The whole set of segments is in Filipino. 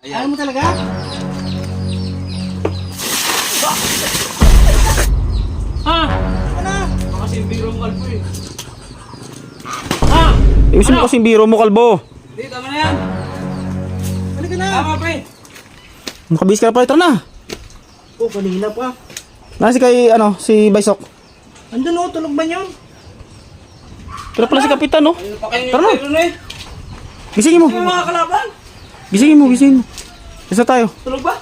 Ayaw mo talaga? Ha? Ano? Kasi biro mo kalbo eh. Ha? Ayusin mo kasing biro mo, kalbo. Hindi, tama na yan. Halika na. Tama pre. Makabihis ka na pala, tara na. Oh, kanina pa. Nasi kay, si Baysok. Andun oh, tulog ba yun? Tara pala si Kapitan, no? Ano pa kayo Tara na. nito eh? Gisingin mo. Ano mga kalaban? Gisingin mo. Isa tayo. Tulog ba?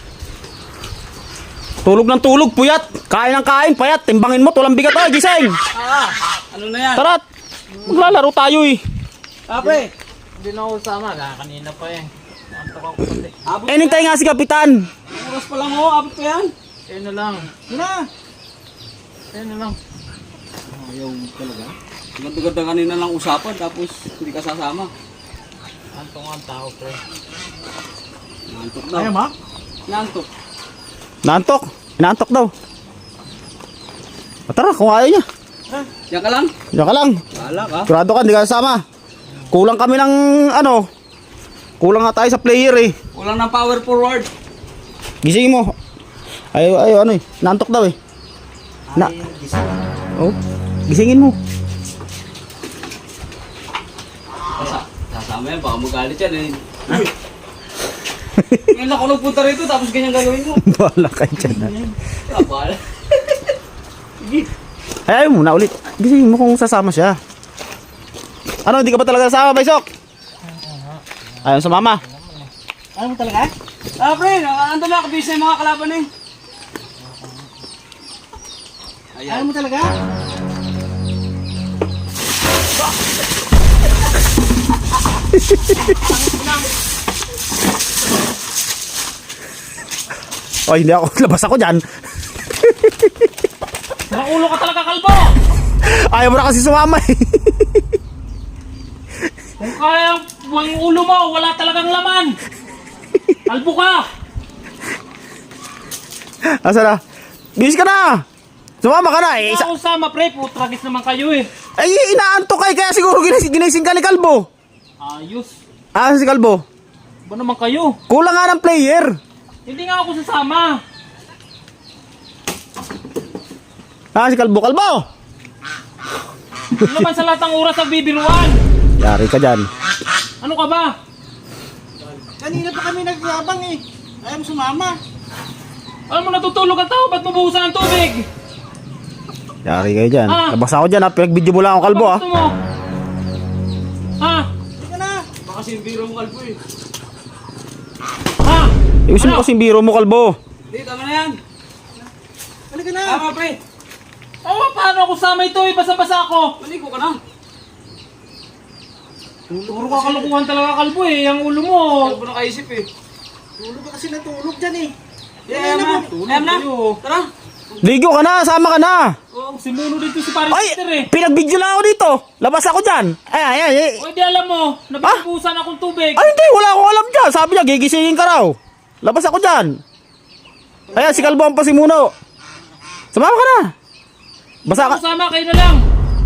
Tulog ng tulog, puyat. Kain ng kain, payat. Timbangin mo, tulang bigat. Ay, gising. Ano na yan? Tara, maglalaro tayo eh. Pre. Hindi na ako sama, kanina pa eh. Nantok ako pati. Abot Hinintay nga si Kapitan. oras pa lang oh, abot pa yan. Ayun na lang. Ano na? Ayun na lang. Ayaw talaga. Ganda-ganda kanina lang usapan tapos hindi ka sasama. Antok ang tao, pre. Nantok daw. Ayaw mo? Nantok. Naantok. Inaantok daw. Tara, kung ayaw niya. Yan ka lang? Diyan ka lang. Bahala ka. Sigurado ka, hindi ka kasama. Kulang kami ng kulang nga tayo sa player eh. Walang na power forward. Gisingin mo. Ayaw, naantok daw eh. Na. Ay, gising. Oh, gisingin mo. Sasama yan, baka magalit yan eh. Ngayon ako nagpunta rito tapos ganyan gagawin mo. Bahala kayo dyan. Bahala. Ay, ayaw muna ulit. Gisingin mo kung sasama siya. Ano, hindi ka ba talaga sasama, Baysok? Ayaw sumama. Ayaw mo talaga? Pre, ando na ako busy mga kalaban eh. Ayaw mo talaga? Ay, hindi ako. Labas ako dyan. Nakulo ka talaga kalbo! Ayaw mo na kasi sumama eh. Kung kaya ang ulo mo, wala talagang laman! Kalbo ka! Asa na? Bis ka na! Sumama ka na eh. Isa ako sama pre, putragis naman kayo eh. Ay, inaantok kay kaya siguro ginising ka ni Kalbo. Ayos. Si Kalbo? Ba naman kayo? Kulang nga ng player. Hindi nga ako sasama. Si Kalbo. Kalbo! Ano naman sa lahat ng oras sa bibiruan? Yari ka dyan. Ano ka ba? Kanina pa kami nagyabang eh. Ayaw mo sumama. Alam mo natutulog ang tao, ba't mabuhusan ng tubig? Yari kayo dyan. Ah. Labas ako dyan ha. Pinag-video mo lang ako, Kalbo ha. Gusto mo? Ha? Halika na. Baka si biro mo kalbo eh. Ha? Iusin mo kasing biro mo, Kalbo. Hindi, tama na yan. Halika na. Tama pre. Paano ako sama ito eh? Basa-basa ako. Maligo ka na. Puro ka kalukuhan talaga kalbo eh. Ang ulo mo. Kalbo na kaisip eh. Tulog ka kasi natulog dyan eh. Ayam na. Ayam na. Tara. Ligo ka na. Sama ka na. Oh, si Muno dito si Paris Ay! Sister eh. Pinag-video lang ako dito. Labas ako dyan. Ay. O di alam mo, nabibusan akong tubig. Ay, hindi. Wala akong alam dyan. Sabi niya, gigisingin ka raw. Labas ako dyan. Ayan, si Kalbo ang pasimuno. Sumama ka na. Basa ka. Sama kayo na lang.